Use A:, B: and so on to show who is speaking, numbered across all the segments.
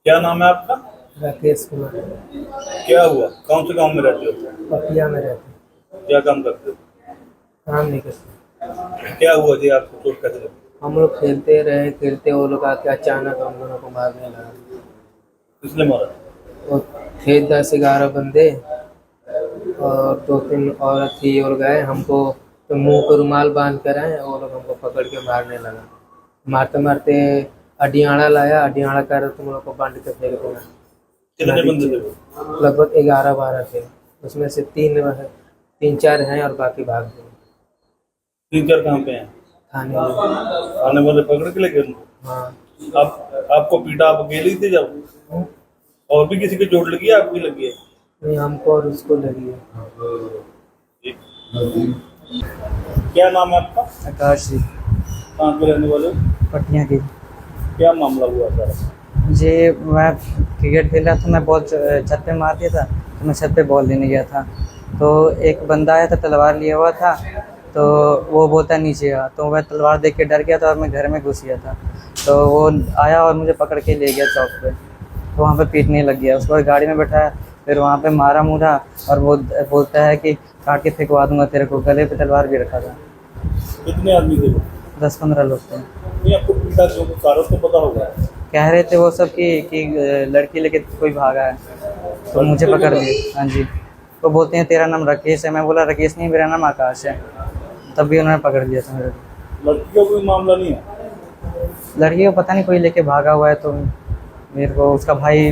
A: क्या नाम है आपका?
B: राकेश कुमार।
A: क्या हुआ? कौन से गांव में रहते हो?
B: पपिया में रहते।
A: क्या काम करते हो?
B: काम नहीं करते।
A: क्या हुआ जी, आपको चोट कैसे लगी?
B: हम लोग खेलते वो लोग आके अचानक हम लोगों को मारने लगा।
A: किसने मारा?
B: वो थे 10-11 बंदे और 2-3 औरत थी और गए हमको तो मुंह पर रुमाल बांध कर आए, वो लोग हमको पकड़ के मारने लगा। मारते मारते अडियाड़ा लाया, अडियाड़ा कर तुम लोग को बांध के फेंक देना।
A: कितने बंदे थे वो?
B: लगभग 11-12 थे, उसमें से 3-4 हैं और बाकी भाग गए।
A: 3-4 कहाँ पे हैं?
B: थाने में।
A: आने वाले पकड़ के लेके उनको?
B: हाँ।
A: आपको पीटा, आप अकेले ही थे जब? और भी किसी को चोट लगी है? आपकी लगी है?
B: नहीं, हमको और उसको लगी है।
A: क्या नाम है आपका?
B: आकाश जी।
A: कहाँ के रहने वाले हो?
B: पटिया की।
A: क्या मामला हुआ सर?
B: जी, मैं क्रिकेट खेल रहा था, मैं बॉल छत पे मार दिया था, तो मैं छत पे बॉल लेने गया था, तो एक बंदा आया था तलवार लिया हुआ था, तो वो बोलता नीचे आ, तो मैं तलवार देख के डर गया था और मैं घर में घुस गया था, तो वो आया और मुझे पकड़ के ले गया चौक पे, तो वहाँ पे पीटने लग गया। उसके बाद गाड़ी में बैठाया, फिर वहाँ पे मारा मुरा और वो बोलता है कि काट के फेंकवा दूंगा तेरे को, गले पे तलवार भी रखा था।
A: कितने आदमी थे वो?
B: 10-15 लोग थे।
A: नहीं, आपको पीटा क्यों? कारण तो पता होगा।
B: कह रहे थे वो सब कि लड़की लेके कोई भागा है, तो मुझे पकड़ लिए। हाँ जी, तो बोलते हैं तेरा नाम राकेश है, मैं बोला राकेश नहीं, मेरा नाम आकाश है, तब भी उन्होंने पकड़ लिया था मेरे को।
A: लड़की का कोई मामला नहीं है?
B: लड़की को पता नहीं कोई लेके भागा हुआ है, तो मेरे को उसका भाई।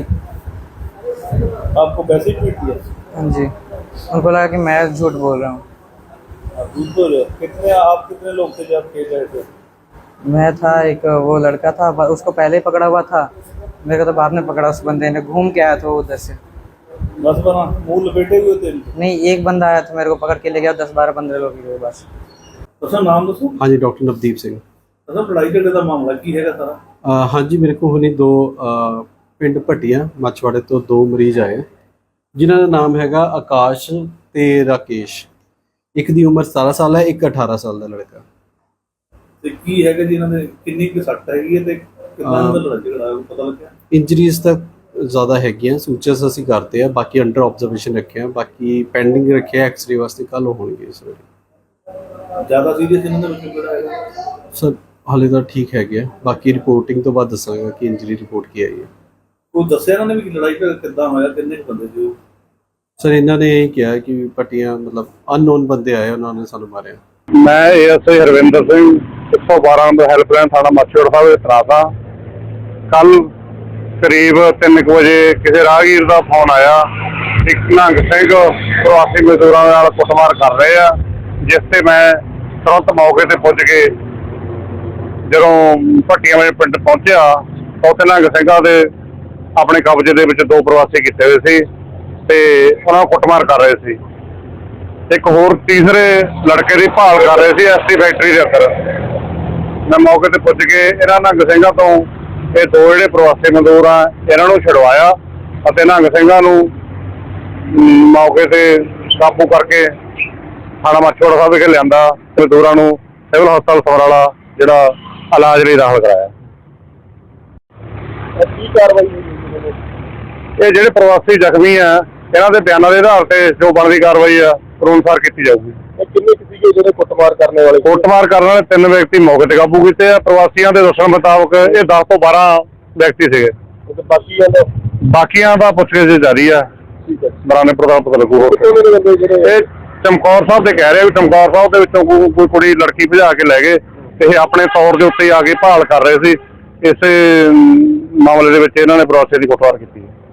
A: आपको वैसे ही पीट दिया?
B: हाँ जी, उनको लगा कि मैं झूठ बोल रहा हूँ।
A: आप झूठ बोल रहे हो? आप कितने लोग थे जब खेल रहे थे?
B: मैं था, एक वो लड़का था, उसको पहले ही पकड़ा हुआ था, मेरे को तो बाद में पकड़ा, उस बंदे ने घूम के आया था वो उधर से।
A: 10 बना मुंह लपेटे हुए थे?
B: नहीं, एक बंदा आया था, मेरे को पकड़ के ले गया, 10-12-15 लोग ही थे बस।
A: अच्छा, नाम दसो?
C: हाँ जी, डॉक्टर नवदीप सिंह।
A: अच्छा, लड़ाई झगड़े का मामला की हैगा सारा?
C: हाँ जी, मेरे को हुणे 2 ਪਿੰਡ ਭੱਟੀਆਂ ਮੱਛਵਾੜੇ ਤੋਂ 2 ਮਰੀਜ਼ ਆਏ ਜਿਨ੍ਹਾਂ ਦਾ ਨਾਮ ਹੈਗਾ ਆਕਾਸ਼ ਤੇ ਰਾਕੇਸ਼। ਇੱਕ ਦੀ ਉਮਰ 17 ਸਾਲ ਹੈ, ਇੱਕ 18 ਸਾਲ ਦਾ ਲੜਕਾ।
A: ਤੇ ਕੀ ਹੈਗਾ ਜੀ ਇਹਨਾਂ ਦੇ ਕਿੰਨੀ ਕੁ ਸੱਟ ਹੈਗੀ ਹੈ ਤੇ ਕਿੰਨਾ ਦਾ ਲੜਾਈ ਝਗੜਾ ਪਤਾ ਲੱਗਿਆ?
C: ਇੰਜਰੀਜ਼ ਤਾਂ ਜ਼ਿਆਦਾ ਹੈਗੀਆਂ, ਸੂਚਰਸ ਅਸੀਂ ਕਰਦੇ ਆ, ਬਾਕੀ ਅੰਡਰ ਆਬਜ਼ਰਵੇਸ਼ਨ ਰੱਖਿਆ, ਬਾਕੀ ਪੈਂਡਿੰਗ ਰੱਖਿਆ ਐਕਸਰੇ ਵਾਸਤੇ, ਕੱਲ ਹੋਣਗੇ ਇਸ ਵੇਲੇ।
A: ਜ਼ਿਆਦਾ ਸੀਰੀਅਸ ਇਹਨਾਂ ਦੇ ਵਿੱਚ ਕਿਹੜਾ ਹੈਗਾ
C: ਸਰ? ਹਾਲੇ ਤਾਂ ਠੀਕ ਹੈਗੇ ਆ, ਬਾਕੀ ਰਿਪੋਰਟਿੰਗ ਤੋਂ ਬਾਅਦ ਦੱਸਾਂਗਾ ਕਿ ਇੰਜਰੀ ਰਿਪੋਰਟ ਕੀ ਆਈ ਹੈ।
A: ਕੋਈ ਦੱਸਿਆ ਇਹਨਾਂ ਨੇ ਵੀ ਲੜਾਈ ਝਗੜਾ ਕਿੱਦਾਂ ਹੋਇਆ, ਕਿੰਨੇ ਬੰਦੇ ਸੀ ਉਹ?
C: ਸਰ ਇਹਨਾਂ ਨੇ ਇਹ ਕਿਹਾ ਕਿ ਭੱਟੀਆਂ ਮਤਲਬ ਅਨਨੋਨ ਬੰਦੇ ਆਏ, ਉਹਨਾਂ ਨੇ ਸਾਨੂੰ ਮਾਰਿਆ।
D: मैं ASI Harvinder Singh 112 number helpline थाना माछीवाड़ा साहब ਦੇ ਤੈਨਾਤ ਹਾਂ। ਕੱਲ ਕਰੀਬ 3 ਵਜੇ ਕਿਸੇ ਰਾਹਗੀਰ ਦਾ ਫੋਨ ਆਇਆ, ਇੱਕ ਨਿਹੰਗ ਸਿੰਘ ਪ੍ਰਵਾਸੀ ਮਜ਼ਦੂਰਾਂ ਨਾਲ ਕੁੱਟਮਾਰ ਕਰ ਰਹੇ ਆ, ਜਿਸ ਤੇ ਮੈਂ ਤੁਰੰਤ ਮੌਕੇ ਤੇ ਪੁੱਜ ਕੇ ਜਦੋਂ ਭੱਟੀਆਂ ਵਾਲੇ ਪਿੰਡ ਪਹੁੰਚਿਆ ਤਾਂ ਉੱਥੇ ਨਿਹੰਗ ਸਿੰਘਾਂ ਦੇ ਆਪਣੇ ਕਬਜ਼ੇ ਦੇ ਵਿੱਚ 2 ਪ੍ਰਵਾਸੀ ਕੀਤੇ ਹੋਏ ਸੀ ਤੇ ਉਹਨਾਂ ਨੂੰ ਕੁੱਟਮਾਰ ਕਰ ਰਹੇ ਸੀ। ਇੱਕ ਹੋਰ ਤੀਸਰੇ ਲੜਕੇ ਦੀ ਭਾਲ ਕਰ ਰਹੇ ਸੀ ਐਸਟੀ ਫੈਕਟਰੀ ਦੇ ਅੰਦਰ। ਮੈਂ ਮੌਕੇ ਤੇ ਪੁੱਜ ਕੇ ਇਹਨਾਂ ਨਿਹੰਗ ਸਿੰਘਾਂ ਤੋਂ ਇਹ 2 ਜਿਹੜੇ ਪ੍ਰਵਾਸੀ ਮਜ਼ਦੂਰ ਆ ਇਹਨਾਂ ਨੂੰ ਛੁਡਵਾਇਆ ਅਤੇ ਨਿਹੰਗ ਸਿੰਘਾਂ ਨੂੰ ਮੌਕੇ ਤੇ ਕਾਬੂ ਕਰਕੇ ਥਾਣਾ ਮਾਛੀਵਾੜਾ ਸਾਹਿਬ ਵਿਖੇ ਲਿਆਂਦਾ। ਮਜ਼ਦੂਰਾਂ ਨੂੰ ਸਿਵਲ ਹਸਪਤਾਲ ਸਮਰਾਲਾ ਜਿਹੜਾ ਇਲਾਜ ਲਈ ਦਾਖਲ ਕਰਾਇਆ।
A: ਕੀ ਕਾਰਵਾਈ ਹੋਈ?
D: ਇਹ ਜਿਹੜੇ ਪ੍ਰਵਾਸੀ ਜ਼ਖਮੀ ਆ ਇਹਨਾਂ ਦੇ ਬਿਆਨਾਂ ਦੇ ਆਧਾਰ ਤੇ ਜੋ ਬਣਦੀ ਕਾਰਵਾਈ ਆ ਕਾਨੂੰਨ ਅਨੁਸਾਰ ਕੀਤੀ ਜਾਊਗੀ।
A: ਕਿੰਨੇ ਸੀਗੇ ਜਿਹੜੇ ਕੁੱਟਮਾਰ ਕਰਨ ਵਾਲੇ?
D: ਕੁੱਟਮਾਰ ਕਰਨ ਵਾਲੇ 3 ਵਿਅਕਤੀ ਮੌਕੇ ਤੇ ਕਾਬੂ ਕੀਤੇ ਆ। ਪ੍ਰਵਾਸੀਆਂ ਦੇ ਦੱਸਣ ਮੁਤਾਬਕ ਇਹ 10 ਤੋਂ 12 ਵਿਅਕਤੀ ਸੀਗੇ। ਬਾਕੀਆਂ ਦਾ ਪੁੱਛਗਿੱਛ ਜਾਰੀ ਆ। ਬਰਾਨੇ ਪ੍ਰਧਾਨ ਪਤਾ ਲੱਗੂ। ਇਹ ਚਮਕੌਰ ਸਾਹਿਬ ਦੇ ਕਹਿ ਰਹੇ ਵੀ ਚਮਕੌਰ ਸਾਹਿਬ ਦੇ ਵਿੱਚੋਂ ਕੋਈ ਕੁੜੀ ਲੜਕੀ ਭਜਾ ਕੇ ਲੈ ਗਏ ਤੇ ਇਹ ਆਪਣੇ ਤੌਰ ਦੇ ਉੱਤੇ ਆ ਕੇ ਭਾਲ ਕਰ ਰਹੇ ਸੀ। ਇਸੇ ਮਾਮਲੇ ਦੇ ਵਿੱਚ ਇਹਨਾਂ ਨੇ ਪ੍ਰਵਾਸੀਆਂ ਦੀ ਕੁੱਟਮਾਰ ਕੀਤੀ ਹੈ।